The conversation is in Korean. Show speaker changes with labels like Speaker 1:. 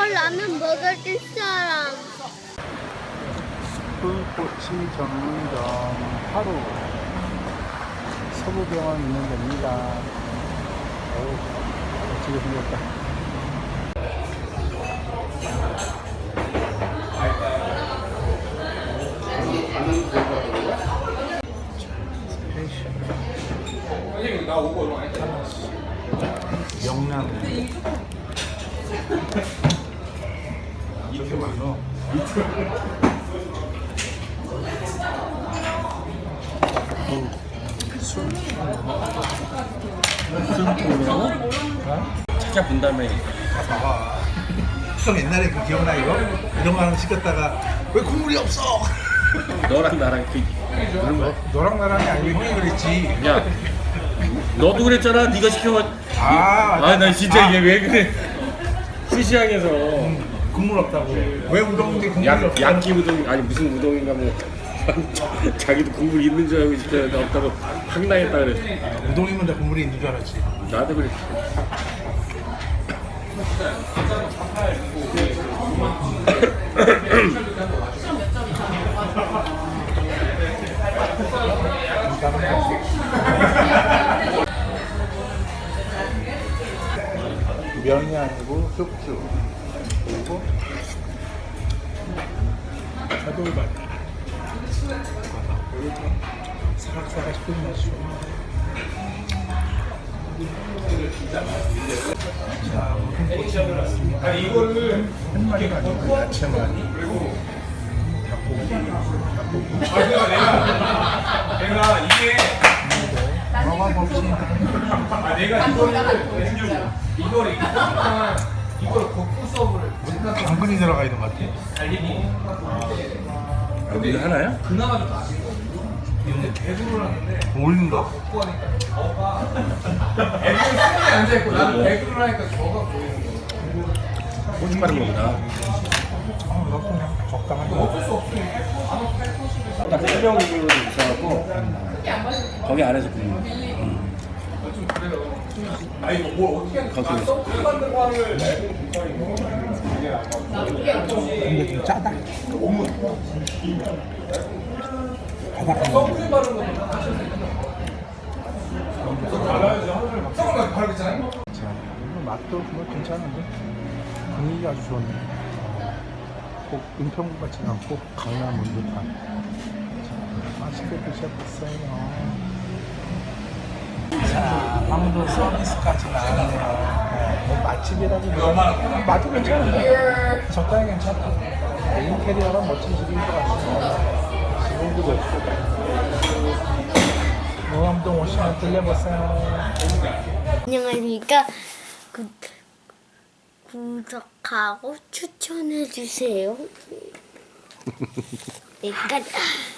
Speaker 1: 라면 먹을 사람.
Speaker 2: 숯불꼬치 전문점 하루 서부병원 있는 데입니다. 어우, 멋지게 생겼다.
Speaker 3: 나 오고
Speaker 2: 명란 이렇게 많어.
Speaker 3: 찾아본 다음에
Speaker 4: 봐봐. 형 옛날에 그 기억나 이거? 이런 거 하나 시켰다가 왜 국물이 없어?
Speaker 3: 너랑 나랑 그런 거.
Speaker 4: 너랑 나랑이 아니고 형이 그랬지.
Speaker 3: 야, 너도 그랬잖아. 네가 시켜.
Speaker 4: 맞아.
Speaker 3: 나 진짜 얘 왜 그래? 시시항에서
Speaker 4: 국물 없다고. 왜 우동인데 국물이 없어?
Speaker 3: 약기 우동 아니 무슨 우동인가 뭐 자기도 국물 있는 줄 알고 진짜 나 없다고 황당했다 그래.
Speaker 4: 우동이면 다 국물이 있는 줄 알았지.
Speaker 3: 나도 그래.
Speaker 2: 면이 아니고 쑥주 그리고
Speaker 4: 차돌밥. 사각사각 씹는 맛이죠. 자, 무슨 꼬치 나왔습니다. 한 마리가 아니고 야채만.
Speaker 5: 내가 이게
Speaker 4: 먹어봅시다.
Speaker 5: 내가 이거를 걷고 수업을
Speaker 4: 당근이 들어가 있는 것 같아.
Speaker 3: 여기 하나야?
Speaker 5: 그나마 좀 아시고 근데 배구를 하는데
Speaker 4: 어울린다.
Speaker 5: 걷고 하니까 애들은 수면에 앉아있고 나는 배구를 하니까 저가 보이는 거야.
Speaker 3: 고춧가루 먹다.
Speaker 4: 너 그냥 적당하게.
Speaker 5: 어쩔 수 없어.
Speaker 3: 딱 설명으로 있어갖고 거기 안에서 굽는
Speaker 5: 좀 그래요. 아 이거 뭘 어떻게 하는
Speaker 3: 거기
Speaker 5: 서브 만든 거를
Speaker 4: 근데 좀 짜다. 바삭한 거.
Speaker 5: 서브 바르는 것도 다 하셔야 돼요. 달라야죠. 하루를 서브만 바르겠잖아요.
Speaker 2: 자, 이거 맛도 뭐 괜찮은데 분위기가 아주 좋네. 꼭 은평구 같지 않고 강남 온 듯한. 자, 맛있게 드셔보세요. 자, 방도 서비스까지 나왔네요. 뭐 맛집이라고 맛도 괜찮은데 적당히 괜찮아. 인테리어가 멋진 집인 것 같습니다. 지금도 좋고. 노암동 오시면 들려보세요.
Speaker 1: 안녕하십니까. 구독하고 추천해주세요. 일단